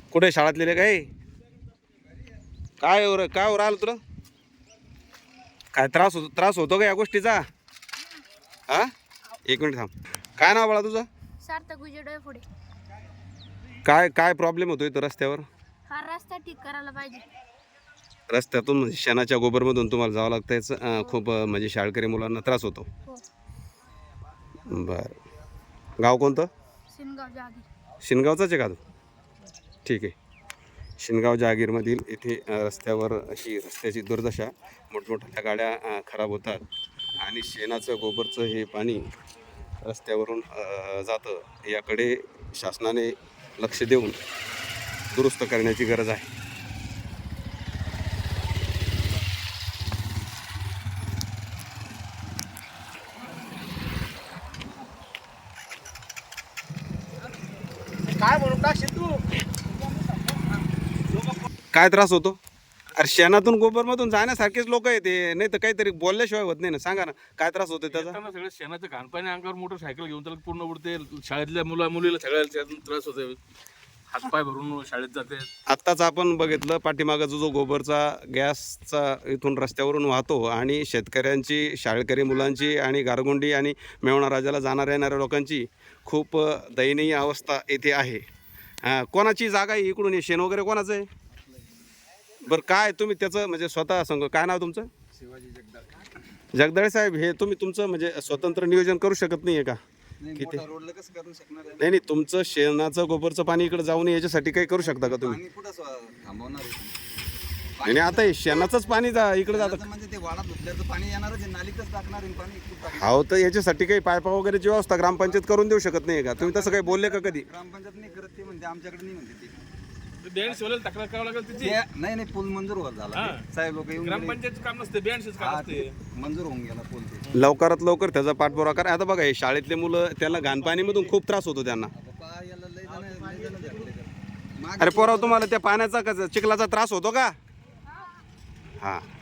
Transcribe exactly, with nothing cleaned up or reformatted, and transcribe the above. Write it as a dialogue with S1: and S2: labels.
S1: कुठे शाळेतले काय काय वर काय वर आलं तुला काय त्रास होतो त्रास होतो का या गोष्टीचा हा एक मिनिट थांब काय नाव बाळा तुझं
S2: सार्थक विजय डोयफोडे.
S1: काय काय प्रॉब्लेम होतो इथं रस्त्यावर
S2: हा रस्ता ठीक करायला पाहिजे.
S1: रस्त्यातून म्हणजे शेणाच्या गोबरमधून तुम्हाला जावं लागतं याचं अं, खूप अं, म्हणजे शाळकरी मुलांना त्रास होतो.
S2: हो.
S1: बरं गाव कोणतं
S2: सिनगाव जहागीर.
S1: शिनगावचाच आहे का तू ठीक आहे. शिनगाव जहागीरमधील इथे अ, रस्त्यावर अशी रस्त्याची दुर्दशा मोठमोठ्या गाड्या अ, खराब होतात आणि शेणाचं गोबरचं हे पाणी रस्त्यावरून अ, जातं याकडे शासनाने लक्ष देऊन दुरुस्त करण्याची गरज आहे.
S3: काय म्हणून टाकशील तू?
S1: काय त्रास होतो अरे शेणातून गोबरमधून जाण्यासारखेच लोक आहे ते नाही तर काहीतरी बोलल्याशिवाय होत नाही ना सांगा ना काय त्रास होतो त्याचा
S3: येताना सगळं शेणाचं घाणपाणी अंगावर मोटरसायकल घेऊन त्याला पूर्ण उडते शाळेतल्या मुला मुलीला सगळ्याला त्यातून त्रास होते हातपाय भरून शाळेत जाते.
S1: आत्ताच आपण बघितलं पाठीमागाचा जो गोबरचा गॅसचा इथून रस्त्यावरून वाहतो आणि शेतकऱ्यांची शाळकरी मुलांची आणि गारगोंडी आणि मेवणा राजाला जाणाऱ्या येणाऱ्या लोकांची खूप दयनीय अवस्था येथे आहे. हां कोणाची जागा आहे इकडून हे शेण वगैरे कोणाचं आहे बरं काय तुम्ही त्याचं म्हणजे स्वतः सांग काय नाव तुमचं
S3: शिवाजी जगदाळे.
S1: जगदाळे साहेब हे तुम्ही तुमचं म्हणजे स्वतंत्र नियोजन करू शकत नाही आहे का किती
S3: रोडला कसं करू शकणार आहे?
S1: नाही नाही तुमचं शेणाचं गोबरचं पाणी इकडे जाऊ नये याच्यासाठी काही करू शकता का तुम्ही
S3: पाणी कुठं स्व- थांबवणार आहे?
S1: आणि आता हे शेणाचंच पाणी जा इकडे जातं
S3: आता म्हणजे ते वाडा धुतल्याचं पाणी येणारच आहे, नालीतच टाकणार आहे पाणी कुठं टाकणार?
S1: हो तर याच्यासाठी काही पायपा वगैरेची व्यवस्था ग्रामपंचायत करून देऊ शकत नाही का तुम्ही तसं काही बोलले का कधी
S3: ग्रामपंचायत नाही करत ते म्हणते आमच्याकडे नाही म्हणते ते.
S4: बँड शिवायला तक्रार करावं लागेल त्याची.
S3: ते- नाही नाही पूल मंजूर होत झाला
S4: हा.
S3: साहेब लोक येऊन गेले.
S4: ग्रामपंचायतचं काम नसते बँडच काम
S3: हा,
S4: असते.
S3: ते मंजूर होऊन गेला पूल ते.
S1: लवकरात लवकर त्याचा पाठपुरावा करा. आता बघा हे शाळेतले मुलं त्यांना घाणपाणीमधून खूप त्रास होतो त्यांना
S3: बाबा, याला लय जण- लय जण धरले तर. मागे
S1: अरे पोराव तुम्हाला त्या पाण्याचा का चिखलाचा त्रास होतो का हा